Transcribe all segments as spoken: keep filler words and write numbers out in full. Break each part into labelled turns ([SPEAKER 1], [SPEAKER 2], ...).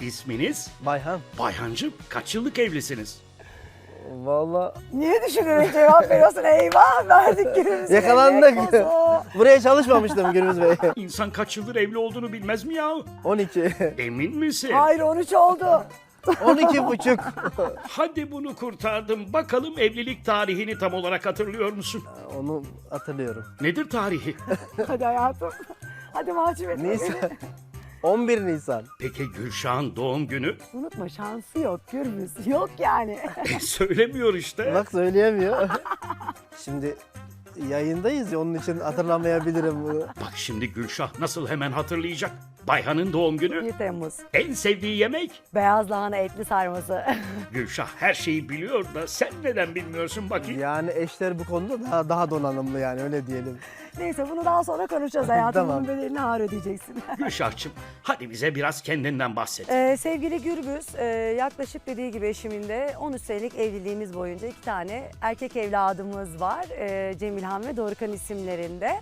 [SPEAKER 1] İsminiz?
[SPEAKER 2] Bayhan.
[SPEAKER 1] Bayhancığım, kaç yıllık evlisiniz?
[SPEAKER 2] Vallahi
[SPEAKER 3] Niye düşünerek cevap veriyorsun? Eyvah verdik günümüzü.
[SPEAKER 2] yakalandık.
[SPEAKER 3] Yemek olsun.
[SPEAKER 2] Buraya çalışmamıştım Gürbüz Bey.
[SPEAKER 1] İnsan kaç yıldır evli olduğunu bilmez mi ya?
[SPEAKER 2] on iki.
[SPEAKER 1] Emin misin?
[SPEAKER 3] Hayır on üç oldu.
[SPEAKER 2] on iki buçuk.
[SPEAKER 1] Hadi bunu kurtardım. Bakalım evlilik tarihini tam olarak hatırlıyor musun?
[SPEAKER 2] Onu hatırlıyorum.
[SPEAKER 1] Nedir tarihi?
[SPEAKER 3] Hadi hayatım. Hadi mahcup etme beni.
[SPEAKER 2] Nisan. on bir Nisan.
[SPEAKER 1] Peki Gülşah'ın doğum günü?
[SPEAKER 3] Unutma şansı yok Gürbüz. Yok yani.
[SPEAKER 1] E, söylemiyor işte.
[SPEAKER 2] Bak söyleyemiyor. Şimdi yayındayız ya onun için hatırlamayabilirim bunu.
[SPEAKER 1] Bak şimdi Gülşah nasıl hemen hatırlayacak. Bayhan'ın doğum günü.
[SPEAKER 3] bir Temmuz.
[SPEAKER 1] En sevdiği yemek?
[SPEAKER 3] Beyaz lahana etli sarması.
[SPEAKER 1] Gülşah her şeyi biliyor da sen neden bilmiyorsun bakayım?
[SPEAKER 2] Yani eşler bu konuda daha, daha donanımlı yani öyle diyelim.
[SPEAKER 3] Neyse bunu daha sonra konuşacağız hayatım.
[SPEAKER 2] Tamam.
[SPEAKER 3] Bunun bedelini ağır ödeyeceksin.
[SPEAKER 1] Gülşah'cığım hadi bize biraz kendinden bahset.
[SPEAKER 3] Ee, sevgili Gürbüz, e, yaklaşık dediği gibi eşimin de on üç senelik evliliğimiz boyunca iki tane erkek evladımız var. E, Cemilhan ve Dorukhan isimlerinde.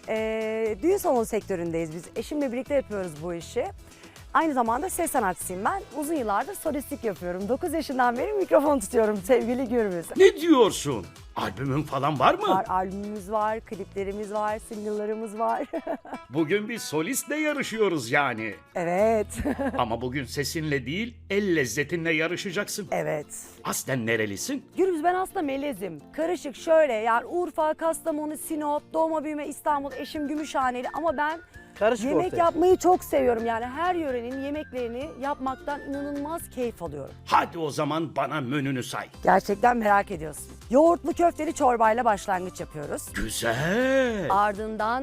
[SPEAKER 3] E, düğün salonu sektöründeyiz biz. Eşimle birlikte yapıyoruz bu işi. Aynı zamanda ses sanatçısıyım ben. Uzun yıllardır solistlik yapıyorum. dokuz yaşından beri mikrofon tutuyorum sevgili Gürbüz.
[SPEAKER 1] Ne diyorsun? Albümün falan var mı?
[SPEAKER 3] Var, albümümüz var, kliplerimiz var, single'larımız var.
[SPEAKER 1] Bugün bir solistle yarışıyoruz yani.
[SPEAKER 3] Evet,
[SPEAKER 1] Ama bugün sesinle değil, el lezzetinle yarışacaksın.
[SPEAKER 3] evet.
[SPEAKER 1] Aslen nerelisin?
[SPEAKER 3] Gürbüz ben aslında melezim. Karışık şöyle yani Urfa, Kastamonu, Sinop, doğma büyüme İstanbul, eşim Gümüşhaneli ama ben
[SPEAKER 2] Karışık
[SPEAKER 3] yemek
[SPEAKER 2] ortaya.
[SPEAKER 3] yapmayı çok seviyorum. Yani her yörenin yemeklerini yapmaktan inanılmaz keyif alıyorum.
[SPEAKER 1] Hadi o zaman bana menünü say.
[SPEAKER 3] Gerçekten merak ediyorsun. Yoğurtlu köfteli çorbayla başlangıç yapıyoruz.
[SPEAKER 1] Güzel.
[SPEAKER 3] Ardından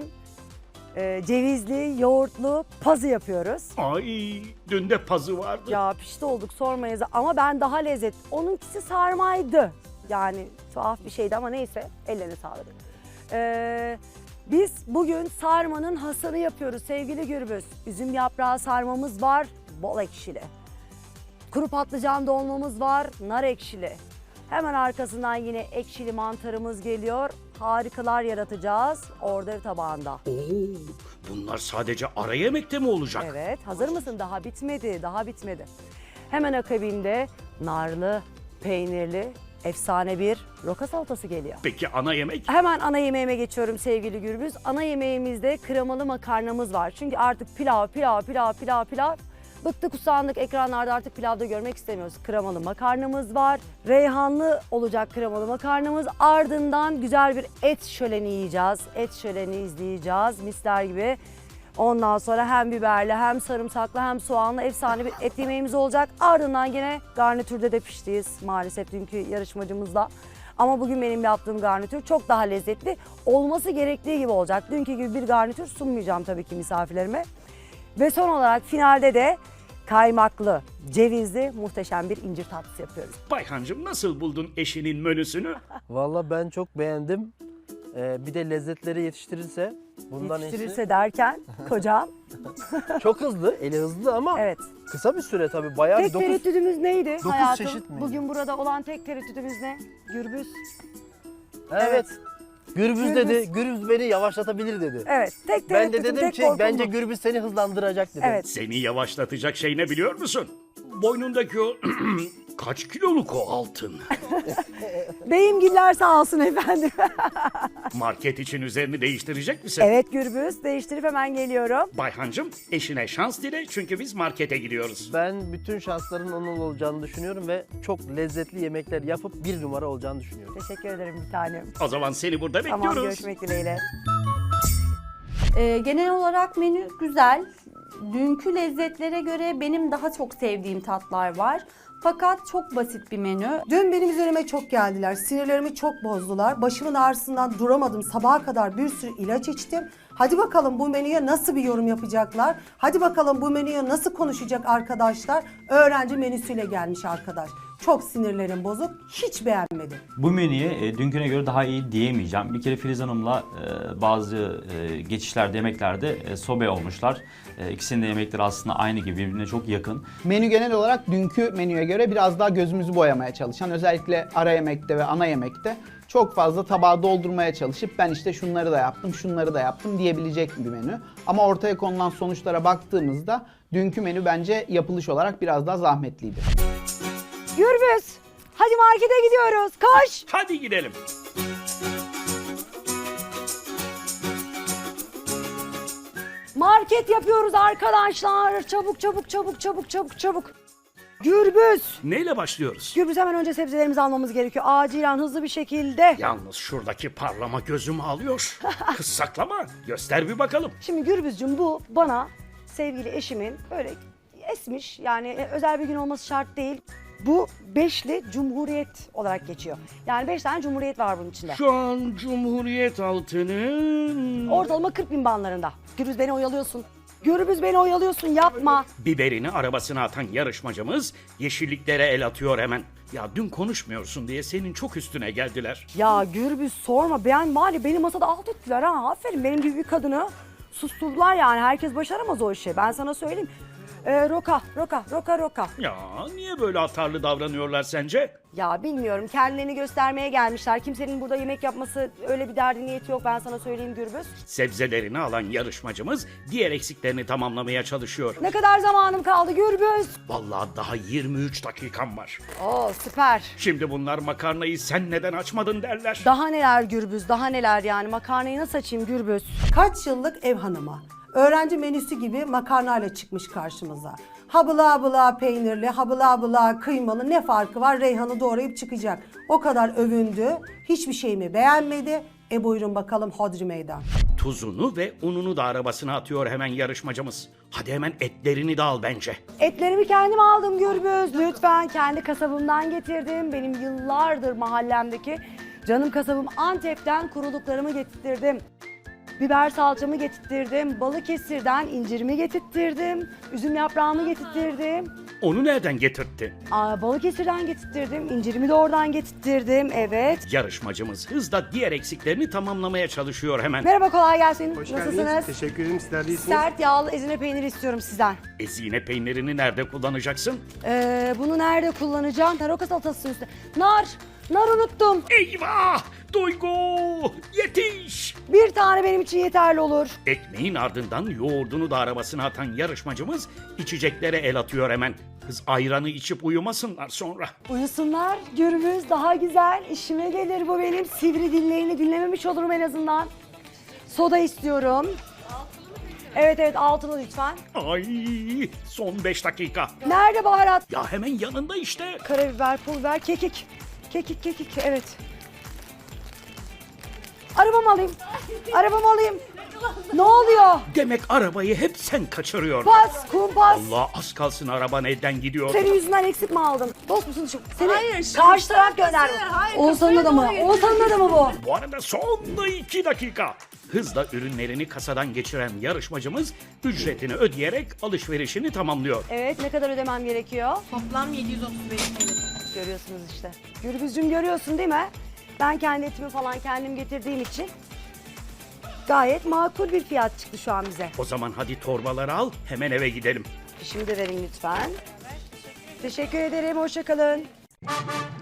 [SPEAKER 3] e, cevizli, yoğurtlu pazı yapıyoruz.
[SPEAKER 1] Ay, dün de pazı vardı.
[SPEAKER 3] Ya pişti olduk sormayız ama ben daha lezzet. Onunkisi sarmaydı. Yani tuhaf bir şeydi ama neyse ellerine sağlık. Ee, biz bugün sarmanın hasını yapıyoruz sevgili Gürbüz. Üzüm yaprağı sarmamız var, bol ekşili. Kuru patlıcan dolmamız var, nar ekşili. Hemen arkasından yine ekşili mantarımız geliyor. Harikalar yaratacağız orada tabağında.
[SPEAKER 1] Oo, bunlar sadece ara yemekte mi olacak?
[SPEAKER 3] Evet, hazır mısın? Daha bitmedi, daha bitmedi. Hemen akabinde narlı, peynirli, efsane bir roka salatası geliyor.
[SPEAKER 1] Peki ana yemek?
[SPEAKER 3] Hemen ana yemeğime geçiyorum sevgili Gürbüz. Ana yemeğimizde kremalı makarnamız var. Çünkü artık pilav, pilav, pilav, pilav, pilav. Bıktık usandık ekranlarda artık pilavda görmek istemiyoruz. Kremalı makarnamız var. Reyhanlı olacak kremalı makarnamız. Ardından güzel bir et şöleni yiyeceğiz. Et şöleni izleyeceğiz misler gibi. Ondan sonra hem biberli hem sarımsaklı hem soğanlı efsane bir et yemeğimiz olacak. Ardından yine garnitürde de piştiyiz maalesef dünkü yarışmacımızla. Ama bugün benim yaptığım garnitür çok daha lezzetli. Olması gerektiği gibi olacak. Dünkü gibi bir garnitür sunmayacağım tabii ki misafirlerime. Ve son olarak finalde de kaymaklı, cevizli muhteşem bir incir tatlısı yapıyoruz.
[SPEAKER 1] Bayhancığım nasıl buldun eşinin menüsünü?
[SPEAKER 2] Vallahi ben çok beğendim. Ee, bir de lezzetleri yetiştirirse bundan
[SPEAKER 3] Yetiştirirse derken kocam.
[SPEAKER 2] iyisi. Çok hızlı, eli hızlı ama
[SPEAKER 3] Evet.
[SPEAKER 2] kısa bir süre tabii. Bayağı
[SPEAKER 3] Tek
[SPEAKER 2] bir dokuz.
[SPEAKER 3] tereddüdümüz neydi
[SPEAKER 2] dokuz
[SPEAKER 3] hayatım?
[SPEAKER 2] çeşit miydi?
[SPEAKER 3] Bugün burada olan tek tereddüdümüz ne? Gürbüz.
[SPEAKER 2] Evet. Gürbüz
[SPEAKER 3] Gürbüz.
[SPEAKER 2] dedi, Gürbüz beni yavaşlatabilir dedi.
[SPEAKER 3] Evet, tek
[SPEAKER 2] Ben de
[SPEAKER 3] tereddütüm,
[SPEAKER 2] dedim
[SPEAKER 3] tek
[SPEAKER 2] ki
[SPEAKER 3] korkum
[SPEAKER 2] bence
[SPEAKER 3] bu.
[SPEAKER 2] Gürbüz seni hızlandıracak dedim.
[SPEAKER 3] Evet.
[SPEAKER 1] Seni yavaşlatacak şey ne biliyor musun? Boynundaki o kaç kiloluk o altın?
[SPEAKER 3] Beyimgiller sağ olsun efendim.
[SPEAKER 1] Market için üzerini değiştirecek misin?
[SPEAKER 3] Evet Gürbüz, değiştirip hemen geliyorum.
[SPEAKER 1] Bayhancığım eşine şans dile çünkü biz markete gidiyoruz.
[SPEAKER 2] Ben bütün şansların onun olacağını düşünüyorum ve çok lezzetli yemekler yapıp bir numara olacağını düşünüyorum.
[SPEAKER 3] Teşekkür ederim bir tanem.
[SPEAKER 1] O zaman seni burada
[SPEAKER 3] Tamam,
[SPEAKER 1] bekliyoruz.
[SPEAKER 3] görüşmek dileğiyle.
[SPEAKER 4] Ee, genel olarak menü güzel. Dünkü lezzetlere göre benim daha çok sevdiğim tatlar var. Fakat çok basit bir menü.
[SPEAKER 5] Dün benim üzerime çok geldiler. Sinirlerimi çok bozdular. Başımın ağrısından duramadım. Sabaha kadar bir sürü ilaç içtim. Hadi bakalım bu menüye nasıl bir yorum yapacaklar? Hadi bakalım bu menüye nasıl konuşacak arkadaşlar? Öğrenci menüsüyle gelmiş arkadaş. Çok sinirlerim bozuk. Hiç beğenmedim.
[SPEAKER 6] Bu menüye e, dünküne göre daha iyi diyemeyeceğim. Bir kere Filiz Hanım'la e, bazı e, geçişlerde, yemeklerde e, sobe olmuşlar. E, ikisinin de yemekleri aslında aynı gibi, birbirine çok yakın.
[SPEAKER 7] Menü genel olarak dünkü menüye göre biraz daha gözümüzü boyamaya çalışan, özellikle ara yemekte ve ana yemekte çok fazla tabağı doldurmaya çalışıp ben işte şunları da yaptım, şunları da yaptım diyebilecek bir menü. Ama ortaya konulan sonuçlara baktığımızda dünkü menü bence yapılış olarak biraz daha zahmetliydi.
[SPEAKER 3] Gürbüz, hadi markete gidiyoruz. Koş.
[SPEAKER 1] Hadi gidelim.
[SPEAKER 3] Market yapıyoruz arkadaşlar. Çabuk çabuk çabuk çabuk çabuk çabuk. Gürbüz.
[SPEAKER 1] Neyle başlıyoruz?
[SPEAKER 3] Gürbüz hemen önce sebzelerimizi almamız gerekiyor. Acilen hızlı bir şekilde.
[SPEAKER 1] Yalnız şuradaki parlama gözümü alıyor. Kız saklama. Göster bir bakalım.
[SPEAKER 3] Şimdi Gürbüzcüğüm bu bana sevgili eşimin böyle esmiş yani e, özel bir gün olması şart değil. Bu beşli Cumhuriyet olarak geçiyor. Yani beş tane Cumhuriyet var bunun içinde.
[SPEAKER 1] Şu an Cumhuriyet altının...
[SPEAKER 3] Ortalama kırk bin bandlarında. Gürbüz beni oyalıyorsun. Gürbüz beni oyalıyorsun yapma.
[SPEAKER 1] Biberini arabasına atan yarışmacımız yeşilliklere el atıyor hemen. Ya dün konuşmuyorsun diye senin çok üstüne geldiler.
[SPEAKER 3] Ya Gürbüz sorma ben mali beni masada alt ettiler ha. Aferin benim gibi bir kadını susturdular yani. Herkes başaramaz o işi ben sana söyleyeyim. Ee, roka, roka, roka, roka.
[SPEAKER 1] Ya niye böyle atarlı davranıyorlar sence?
[SPEAKER 3] Ya bilmiyorum kendilerini göstermeye gelmişler. Kimsenin burada yemek yapması öyle bir derdi niyeti yok ben sana söyleyeyim Gürbüz.
[SPEAKER 1] Sebzelerini alan yarışmacımız diğer eksiklerini tamamlamaya çalışıyor.
[SPEAKER 3] Ne kadar zamanım kaldı Gürbüz?
[SPEAKER 1] Vallahi daha yirmi üç dakikam var.
[SPEAKER 3] Oo süper.
[SPEAKER 1] Şimdi bunlar makarnayı sen neden açmadın derler.
[SPEAKER 3] Daha neler Gürbüz, daha neler yani makarnayı nasıl açayım Gürbüz?
[SPEAKER 5] Kaç yıllık ev hanımı. Öğrenci menüsü gibi makarnayla çıkmış karşımıza. Habıla bıla peynirli, habıla bıla kıymalı ne farkı var? Reyhan'ı doğrayıp çıkacak. O kadar övündü. Hiçbir şeyimi beğenmedi. E buyurun bakalım hodri meydan.
[SPEAKER 1] Tuzunu ve ununu da arabasına atıyor hemen yarışmacımız. Hadi hemen etlerini de al bence.
[SPEAKER 3] Etlerimi kendim aldım Gürbüz. Lütfen kendi kasabımdan getirdim. Benim yıllardır mahallemdeki canım kasabım Antep'ten kuruluklarımı getirttirdim. Biber salçamı getirttirdim. Balıkesir'den incirimi getirttirdim. Üzüm yaprağımı getirttirdim.
[SPEAKER 1] Onu nereden getirtti?
[SPEAKER 3] Aa, Balıkesir'den getirttirdim. İncirimi de oradan getirttirdim. Evet.
[SPEAKER 1] Yarışmacımız hızla diğer eksiklerini tamamlamaya çalışıyor hemen.
[SPEAKER 3] Merhaba kolay gelsin.
[SPEAKER 8] Hoş
[SPEAKER 3] Nasılsınız?
[SPEAKER 8] geldiniz. Teşekkür ederim. Sizler de iyisiniz.
[SPEAKER 3] Sert yağlı ezine peyniri istiyorum sizden.
[SPEAKER 1] Ezine peynirini nerede kullanacaksın?
[SPEAKER 3] Ee, bunu nerede kullanacağım? Taroka salatası üstüne. Nar. Nar unuttum.
[SPEAKER 1] Eyvah! Duygu! Yetiş!
[SPEAKER 3] Bir tane benim için yeterli olur.
[SPEAKER 1] Ekmeğin ardından yoğurdunu da arabasına atan yarışmacımız içeceklere el atıyor hemen. Kız ayranı içip uyumasınlar sonra.
[SPEAKER 3] Uyusunlar. Gürbüz daha güzel. İşime gelir bu benim. Sivri dillerini dinlememiş olurum en azından. Soda istiyorum. Evet evet altılı lütfen.
[SPEAKER 1] Ay son beş dakika.
[SPEAKER 3] Nerede baharat?
[SPEAKER 1] Ya hemen yanında işte.
[SPEAKER 3] Karabiber, pul biber, kekik. Kekik, kekik, evet. Arabamı alayım. Arabamı alayım. Ne oluyor?
[SPEAKER 1] Demek arabayı hep sen kaçırıyordun.
[SPEAKER 3] Pas, kumpas.
[SPEAKER 1] Allah az kalsın araban elden gidiyor.
[SPEAKER 3] Senin yüzünden eksik mi aldım? Dost musun şu? Seni karşı taraf gönderdi. Oğuzhan'ın adamı. Oğuzhan'ın adamı bu.
[SPEAKER 1] Bu arada son iki dakika. Hızla ürünlerini kasadan geçiren yarışmacımız ücretini ödeyerek alışverişini tamamlıyor.
[SPEAKER 3] Evet ne kadar ödemem gerekiyor?
[SPEAKER 9] Toplam yedi yüz otuz beş T L.
[SPEAKER 3] Görüyorsunuz işte. Gürbüzcüğüm görüyorsun değil mi? Ben kendi etimi falan kendim getirdiğim için gayet makul bir fiyat çıktı şu an bize.
[SPEAKER 1] O zaman hadi torbaları al hemen eve gidelim.
[SPEAKER 3] Fişimi de verin lütfen. Teşekkür ederim. Hoşça kalın.